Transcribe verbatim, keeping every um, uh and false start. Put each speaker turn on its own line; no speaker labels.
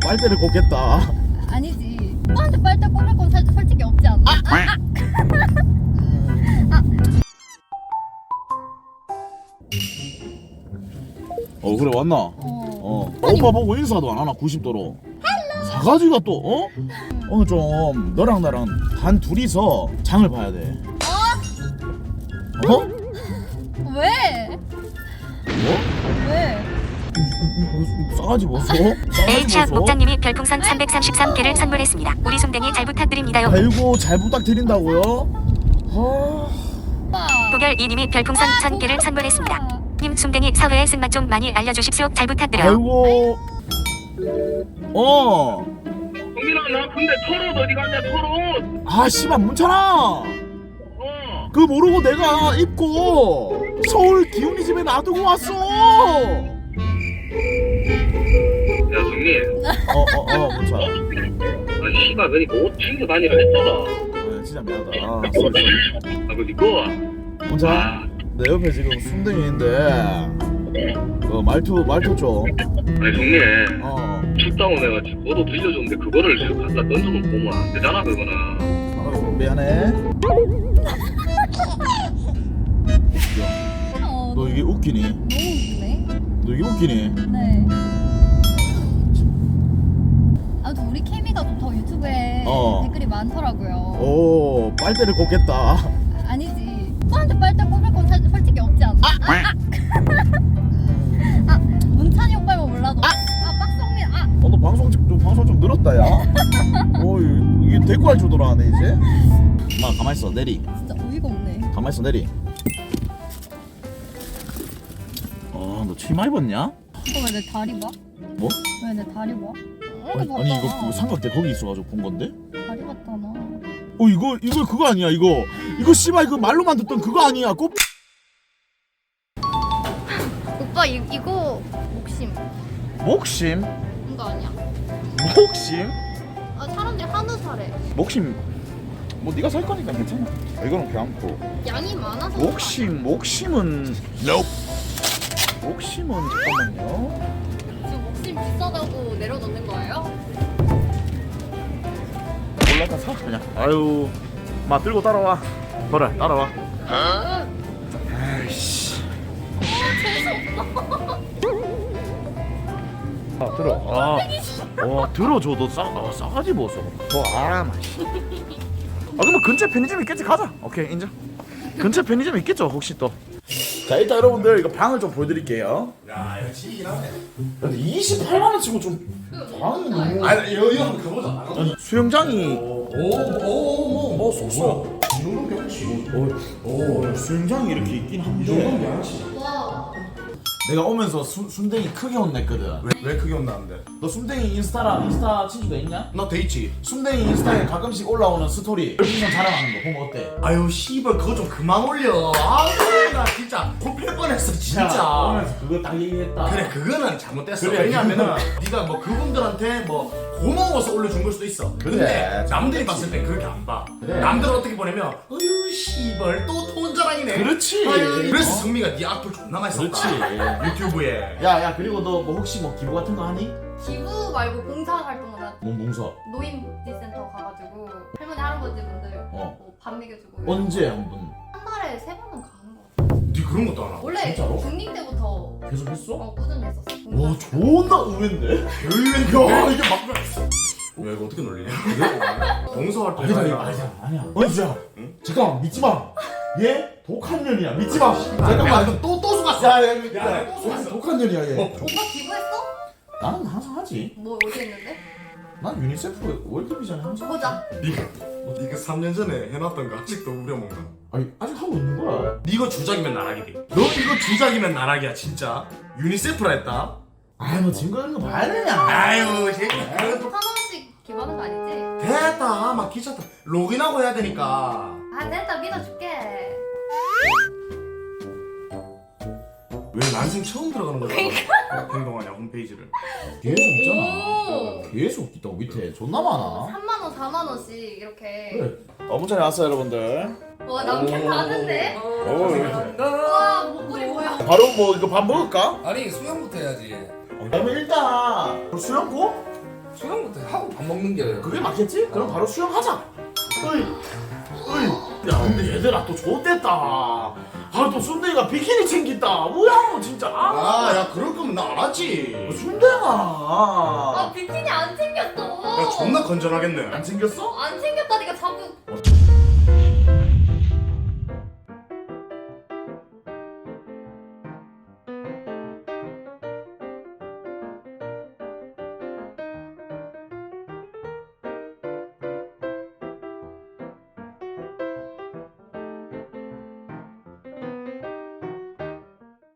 빨대를 꽂겠다.
아니지. 오빠한테 빨대 꽂을 건 살- 솔직히 없지 않나? 아, 아, 아.
어 그래 왔나?
어.
어 오빠 보고 인사도 안 하나 구십 도로. 사가지가 또 어? 오늘 좀 너랑 나랑 단 둘이서 장을 봐야 돼. 어?
왜?
뭐?
왜?
싸가지 보소?
에이치학 목장님이 별풍선 삼백삼십삼 개를 선물했습니다. 우리 솜댕이 잘 부탁드립니다요.
아이고 잘 부탁드린다고요? 아...
오빠.
도결이님이 별풍선 천 개를 선물했습니다. 님 솜댕이 사회의 쓴맛 좀 많이 알려주십시오. 잘 부탁드려요.
아이고 어.
동민아 나 근데 털옷 어디 갔냐 털옷.
아 씨발 문찬아
어.
그 모르고 내가 입고 서울 기훈이 집에 놔두고 왔어.
야 정민.
어어어 문찬아.
아 씨발 그니까 옷 챙겨 다니라 했잖아.
아, 진짜 미안하다. 아 쏘리 쏘리.
아 그 니꺼.
문찬아
아.
내 옆에 지금 순댕이인데 그 말투 말투 좀
아니 정민.
어.
출당을 해가지고 너도 들려줬는데 그거를 지금 갖다 던져놓고 보면 안 되잖아 그거는.
어, 미안해.
어,
너 이게 웃기니?
너무 웃기네.
너 이게 웃기니?
네. 아무튼 우리 케미가 좋다고 유튜브에
어.
댓글이 많더라고요.
오 빨대를 꽂겠다.
아니지. 오빠한테 빨대 꽂을 건 살- 솔직히 없지 않나? 아, 아, 아. 아, 문찬이 오빠만 몰라도. 아, 아 빡성민. 아.
어, 너 방송 좀, 좀 방송 좀 늘었다 야. 어 이게 대꾸 할 줄도 아네 이제. 마 가만 있어 내리.
진짜 어이가 없네.
가만 있어 내리. 어너 치마 입었냐?
오빠 왜 내 다리 봐?
뭐?
왜 내 다리 봐?
아니, 아니 이거 그 삼각대 거기 있어가지고 본 건데?
다리 봤잖아.
어 이거 이거 그거 아니야 이거 이거 씨발 이거 말로만 듣던 그거 아니야 꽃.
오빠 이, 이거 목심
목심?
이거 아니야?
목심?
아 사람들이 한우 사래.
목심 뭐 네가 살 거니까 괜찮아. 아, 이거는 괜찮고.
양이 많아서.
목심 목심은 목심은 잠깐만요.
지금 목심 비싸다고 내려놓는 거예요?
올라가 사 그냥. 아유 마 들고 따라와. 그래 따라와. 아이씨. 아 들어. 아, 어 들어줘 너 싸, 어, 싸가지 보소. 더아 맛이. 아 그러면 근처 편의점 있겠지 가자. 오케이 인정. 근처 편의점 있겠죠 혹시 또. 자 일단 여러분들 이거 방을 좀 보여드릴게요.
야, 이거 지기긴 하네.
근데 이십팔만 원 치고 좀 방이 너무.
아, 이거 이거 한번 가보자.
아니, 수영장이
오, 오, 뭐, 뭐, 쏘쏘. 이 정도면 괜찮지.
어, 오, 수영장이 이렇게 있긴
이 정도면
한데
괜찮지.
와.
내가 오면서 수, 순댕이 크게 혼냈거든.
왜, 왜 크게 혼나는데?
너 순댕이 인스타랑 인스타 친구가 있냐?
나 돼 있지.
순댕이 인스타에 가끔씩 올라오는 스토리 별풍선 자랑하는 거 보면 어때?
아유, 씨발, 그거 좀 그만 올려. 아, 나 진짜 코필 뻔했어,
야,
진짜.
오면서 그거 딱 얘기했다.
그래, 그거는 잘못됐어.
그래,
왜냐면은 네가 뭐 그분들한테 뭐 고마워서 올려준 걸 수도 있어. 근데
그래,
남들이 봤을 때 그렇게 안 봐.
그래.
남들은 어떻게 보냐면, 어휴, 씨발, 또 돈 자랑이네.
그렇지.
아유, 그래서
어?
성미가 네 악플 존나 많이 썼다.
그렇지.
유튜브에.
야야 그리고 너 뭐 혹시 뭐 기부 같은 거 하니?
기부 말고 봉사 활동을 한
뭔 봉서?
노인복지센터 가가지고 할머니 할아버지분들
어.
뭐밥 먹여주고.
언제 한번
한 달에 세 번은 가는 거 같아.
네 그런 것도 안 하고.
원래
진짜로?
중딩 때부터
계속 했어?
어, 꾸준히 했었어.
와 존나 의외인데?
야 이게 막. 야 이거 어떻게 놀리냐? 봉사활동.
아니다 이거 아니야 아니야 언제야? 응? 잠깐만 믿지마. 얘 독한 년이야 믿지마. 잠깐만
이거 또또 속았어.
야야
야, 또 속았어.
독한 년이야 얘.
오빠 기부했어?
나는 항상 하지.
뭐 어디 했는데?
난 유니세프 월드비전에 항상.
보자.
네가 네가 삼 년 전에 해놨던 거 아직도 우려먹나?
아니 아직 하고 있는 거야.
네가 주작이면 나락이지. 너 이거 주작이면 나락이야 진짜. 유니세프라 했다.
아이 뭐 증거 있는 거 봐야 되냐.
아유 새끼.
한 원씩 기부하는 거 아니지?
됐다 막 귀찮다. 로그인하고 해야 되니까.
아 됐다 믿어줄게.
왜 난생 처음 들어가는 거야? 행동하냐 홈페이지를.
계속 있잖아.
오.
계속 있다고 밑에 존나 많아.
삼만 원, 사만 원씩 이렇게.
그래. 어 문자에 왔어요 여러분들.
와 남캐 다는데?
오.
와 목걸이 뭐야?
바로 뭐 이거 밥 먹을까?
아니 수영부터 해야지.
그러면 일단 수영고?
밥 먹는 게
그게 맞겠지? 그럼 바로 수영하자. 어이, 어이. 야, 근데 얘들아 또 좋댔다. 아, 또 순대가 비키니 챙긴다. 뭐야, 진짜. 아,
아, 야, 그럴 거면 나 안 하지.
순대가.
아 비키니 안 챙겼어.
야, 존나 건전하겠네.
안 챙겼어?
안 챙겼다니까 자꾸.
어,